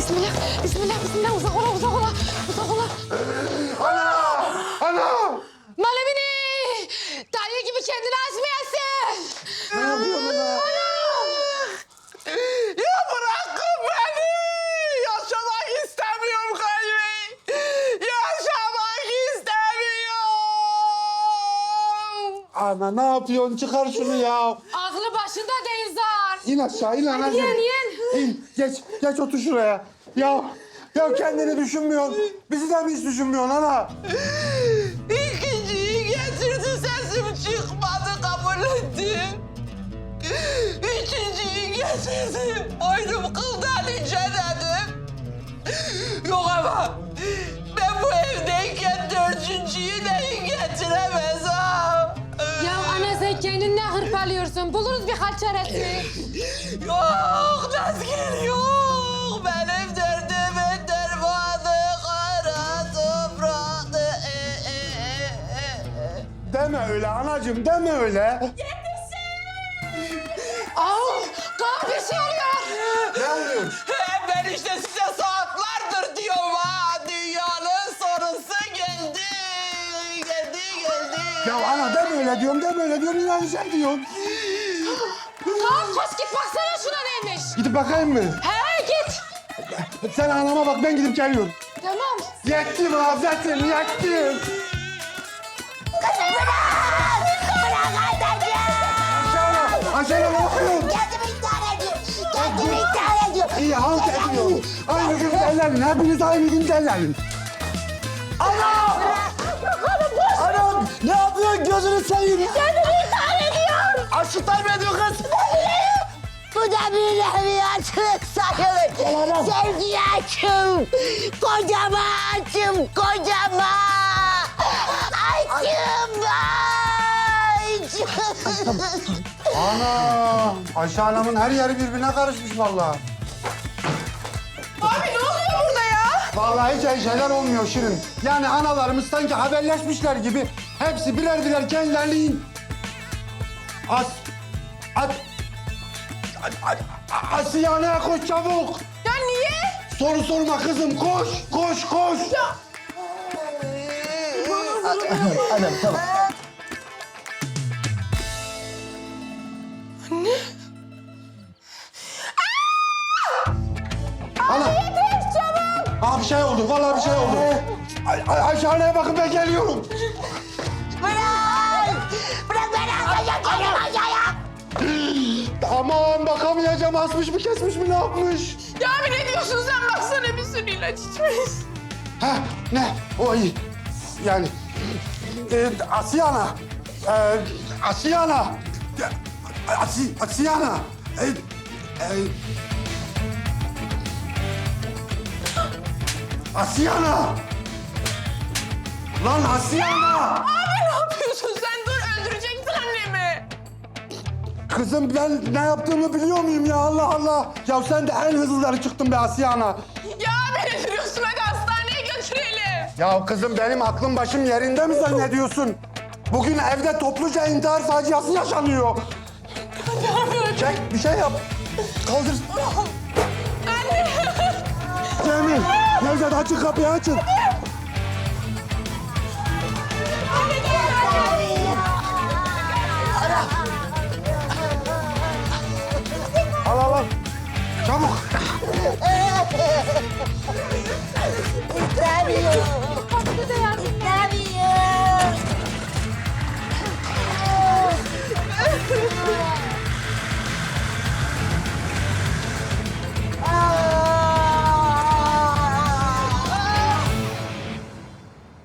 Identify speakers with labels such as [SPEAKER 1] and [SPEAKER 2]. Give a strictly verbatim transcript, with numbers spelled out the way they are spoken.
[SPEAKER 1] Bismillah, bismillah, bismillah. Uzak ola, uzak ola, uzak ola.
[SPEAKER 2] Ana! Ana!
[SPEAKER 1] Malemini! Dayı gibi kendini açmayasın.
[SPEAKER 2] Ne yapıyorsun ana?
[SPEAKER 3] Ya bırakın beni! Yaşamak istemiyorum kalbi! Yaşamak istemiyorum!
[SPEAKER 2] Ana ne yapıyorsun? Çıkar şunu ya.
[SPEAKER 1] Aklı başında değil zar.
[SPEAKER 2] İn aşağı, in anacığım.
[SPEAKER 1] yen, yen.
[SPEAKER 2] İn, geç, geç otur şuraya. Ya, ya kendini düşünmüyorsun. Bizi de mi hiç düşünmüyorsun ana?
[SPEAKER 3] İkinciyi getirdi, sesim çıkmadı, kabul ettim. Üçüncüyü getirdi, boynum kıldan ince dedim. Yok ama ben bu evdeyken dördüncüyü de getiremez ha.
[SPEAKER 1] Ya ana sen kendini ne hırpalıyorsun? Buluruz birkaç çaresi.
[SPEAKER 3] Yok Nazgül yok. Benim derdimin dermanı kara topraktı. E, e, e, e.
[SPEAKER 2] Deme öyle anacığım, deme öyle.
[SPEAKER 1] Al, kan bir şey oluyor.
[SPEAKER 2] Ne oluyor?
[SPEAKER 3] He, ben işte size saatlerdir diyorum ha. Dünyanın sorusu geldi. Geldi, geldi.
[SPEAKER 2] Ya ana deme öyle diyorum, deme öyle diyorum. İnanacağım diyorsun.
[SPEAKER 1] Kan koş git baksana şuna neymiş.
[SPEAKER 2] Gidip bakayım mı?
[SPEAKER 1] He git.
[SPEAKER 2] Sen anama bak, ben gidip geliyorum.
[SPEAKER 1] Tamam.
[SPEAKER 2] Yettim Hazretim, yettim. Aşağıya, aşağıya ne yapıyorsun?
[SPEAKER 4] Kendimi intihar ediyorum. Kendimi intihar ediyorum.
[SPEAKER 2] İyi halt ediyorum. Aynı gün derlerin, hepiniz aynı gün derlerin. Ana! Anam, ne yapıyorsun? Gözünü seveyim.
[SPEAKER 4] Kendimi intihar ediyorum.
[SPEAKER 2] Aşıklar mı ediyor kız?
[SPEAKER 4] Bu da bir nevi açlık sayılır.
[SPEAKER 2] Olamaz.
[SPEAKER 4] Sevgiye açım. Kocaman açım, kocaman. Açım açım.
[SPEAKER 2] Ana! Ayşe Hanım'ın her yeri birbirine karışmış vallahi.
[SPEAKER 3] Abi ne oluyor burada ya?
[SPEAKER 2] Vallahi hiç iyi şeyler olmuyor Şirin. Yani analarımız sanki haberleşmişler gibi hepsi birer birer kendilerini... As... At... At... Asiye'ne koş çabuk.
[SPEAKER 3] Ya niye?
[SPEAKER 2] Soru sorma kızım, koş, koş, koş.
[SPEAKER 4] Anam tamam.
[SPEAKER 2] Ana. Aa bir şey oldu, vallahi bir şey oldu. Ay, ay, Ayşe Hanım'a bakın ben geliyorum.
[SPEAKER 4] Bırak. Bırak beni atacağım kendimi aşağıya.
[SPEAKER 2] Aman bakamayacağım, asmış mı kesmiş mi ne yapmış?
[SPEAKER 3] Ya abi ne diyorsun sen? Baksana bir sürü ilaç içmiş.
[SPEAKER 2] Ha ne? O iyi. Yani e, Asiyana. E, Asiyana. E, Asi, Asiyana. E, e, Asiyana. Lan Asiyana.
[SPEAKER 3] Abi ne yapıyorsun sen? Dur öldüreceksin annemi.
[SPEAKER 2] Kızım ben ne yaptığımı biliyor muyum ya Allah Allah. Ya sen de en hızlıları çıktın be Asiyana.
[SPEAKER 3] Ya abi ne diyorsun? Hadi hastaneye götürelim.
[SPEAKER 2] Ya kızım benim aklım başım yerinde mi zannediyorsun? Bugün evde topluca intihar faciası yaşanıyor. Çek bir şey yap. Kaldır.
[SPEAKER 3] Anne.
[SPEAKER 2] Cemil, Nevzat açın kapıyı açın.